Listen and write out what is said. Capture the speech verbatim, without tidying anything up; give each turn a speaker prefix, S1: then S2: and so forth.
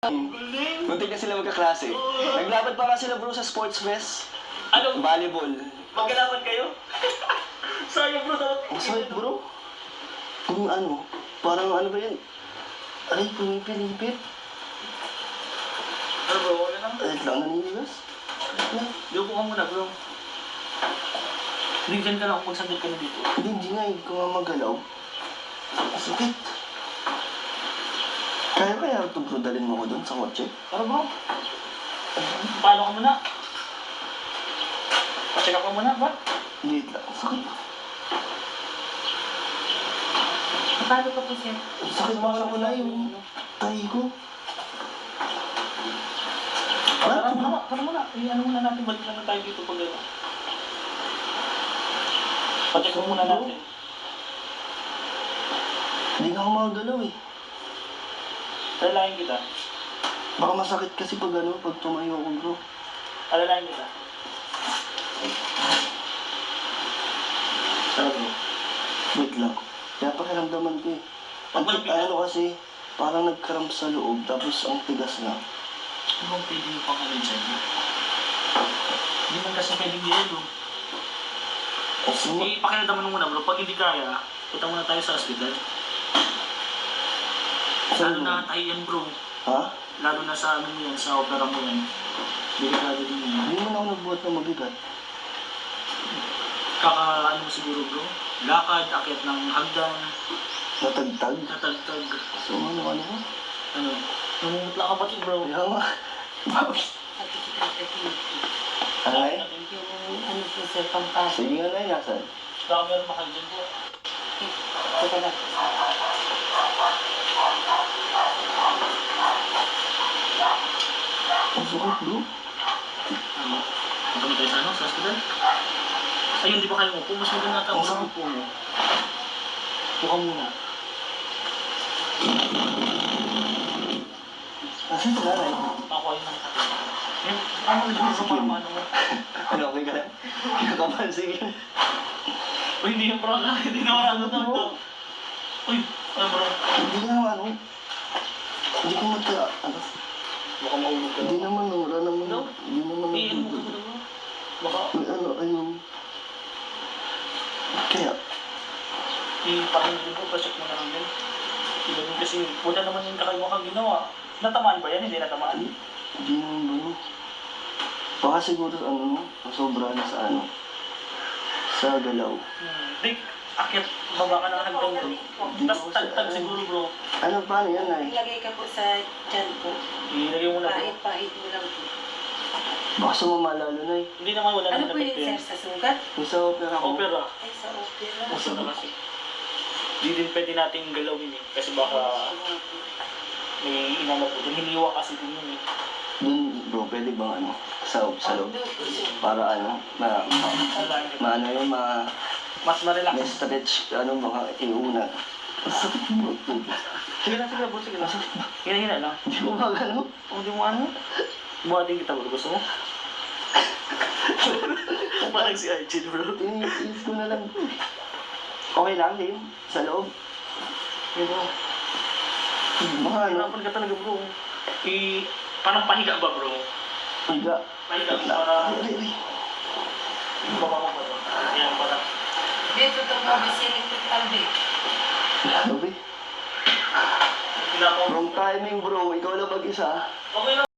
S1: Galing.
S2: Muntik na sila magkaklase. Naglaban pa nga sila bro sa sports fest.
S1: Ano?
S2: Volleyball.
S1: Magkalaban kayo? Sayang bro, dapat
S2: Ang sakit bro. Kung ano, parang ano ba yan? Ay, pumipilipit.
S1: Ano bro, wala lang.
S2: Ay, lang naninigas.
S1: Lupo ka muna bro. Hindi dyan ka lang kung magsandal ka na dito.
S2: Hindi, hindi nga, hindi ko nga magalaw. Ang sakit. Kaya kaya ito bro, dalhin mo ko doon sa kotse?
S1: Ano bro? Paano ka muna? Pacheck up ka muna ba?
S2: Hindi lang, ang sakit.
S3: Paano ka po siya?
S2: Ang sakit mo na ko na yung tahi ko.
S1: Tara muna, tara muna. I-ano muna natin, balik lang tayo dito pag gano'n. Pacheck mo muna natin.
S2: Hindi nga ako makagalaw eh.
S1: Alalayan kita.
S2: Baka masakit kasi pag ano, pag tumayo ako bro.
S1: Alalayan kita. Tara bro.
S2: Wait lang. Kaya pakiramdaman ko eh. Ang
S1: Pag
S2: tit- ano kasi, parang nagkaramp sa loob, tapos ang tigas na.
S1: Ano bang pwede mo pang ano dyan? Hindi man kasi pwedeng yelo.
S2: Kasi mo,
S1: Eh, pakiramdaman mo muna bro. Pag hindi kaya, punta muna tayo sa hospital. Lalo na tayo yan bro.
S2: ha?
S1: Lalo na sa ano mo yan, sa opera mo yan. Delikado din yan.
S2: Hindi mo na ako nagbuhat ng mabigat.
S1: Kaka ano mo siguro bro. Lakad, akyat ng hagdan,
S2: Natagtag.
S1: natagtag.
S2: So ano, ano ba?
S1: Ano? Namumutla ka pati bro.
S2: Kaya nga. Bakit?
S3: Pati kita sa pinti.
S2: Ay?
S3: Yung ano po sir, pampasok.
S2: Sige nga na, nasan?
S1: Baka meron mahal dyan bro.
S3: Teka lang.
S2: Ang sakit bro.
S1: Ano? Punta mo tayo sa ano? Sa hospital? Ayun, di ba kayo upo? Mas maganda ata
S2: Oo.
S1: sa upo mo. Upo ka muna.
S2: Nasaan si nanay?
S1: Ako ayun ang kape. Yan, ano mo dyan bro? Parang ano mo?
S2: Ano, okay ka lang? Kinakabahan, sige.
S1: Uy, hindi yung bro. Hindi na wala na to. Uy, ano bro?
S2: Hindi nga ano. Hindi ko mata, ano.
S1: Baka maulog ka.
S2: Hindi naman, wala naman.
S1: No?
S2: Hindi naman.
S1: Eh, ano mo ka
S2: nagbubuhat.
S1: bro? Baka,
S2: May ano, ayun. Kaya,
S1: eh, parang hindi bro. Pacheck mo na lang din. Iba din kasi, wala naman yung kakaiwa kang ginawa. Natamaan ba yan? Hindi natamaan.
S2: hindi naman ba no? Baka siguro ano, sobra na sa ano. Sa galaw.
S1: Hmm. Di, akit, baba ka ng hanggang doon. Tapos tagtag siguro bro.
S2: Ano, paano yan ay?
S3: Ilagay ka po sa dyan po.
S1: Ilagay mo na bro.
S3: Pahit-pahit mo lang po.
S2: Baka sumama lalo na eh.
S1: Hindi naman wala
S3: Ano
S1: naman
S3: po yun
S1: epekto
S3: sir,
S1: yan.
S3: sa sugat?
S2: Yung sa opera ko.
S1: Opera.
S3: Ay, sa opera.
S1: Uso na kasi. Hindi din pwede nating galawin eh. Kasi baka may inano po. Yung hiniwa kasi din yun eh.
S2: Dun bro, pwede bang ano, sa, sa loob? Para ano, ma, ma, ma ano yun, ma,
S1: Mas ma-relax.
S2: may stretch, ano, mga iuna. Ang sakit mo bro.
S1: Sige na, sige na bro. Sige na. Hina-hina lang.
S2: Hindi mo ba ano?
S1: O di mo ano? Buhatin kita bro. Gusto mo? Parang si Arjun bro.
S2: Tinis ko na lang. Okay lang din, sa loob.
S1: Yun bro.
S2: Mga ano,
S1: Hinapan ka talaga bro. I... Parang pahiga ba bro?
S2: higa.
S1: Pahiga para...
S2: Ay, ay, ay.
S1: Baba mo ba bro? Yan para...
S3: Dito ito po, bisiling po talbi.
S2: Grabe.
S1: Ginagawa mo.
S2: Wrong timing bro, ikaw lang mag-isa.
S1: Okay lang.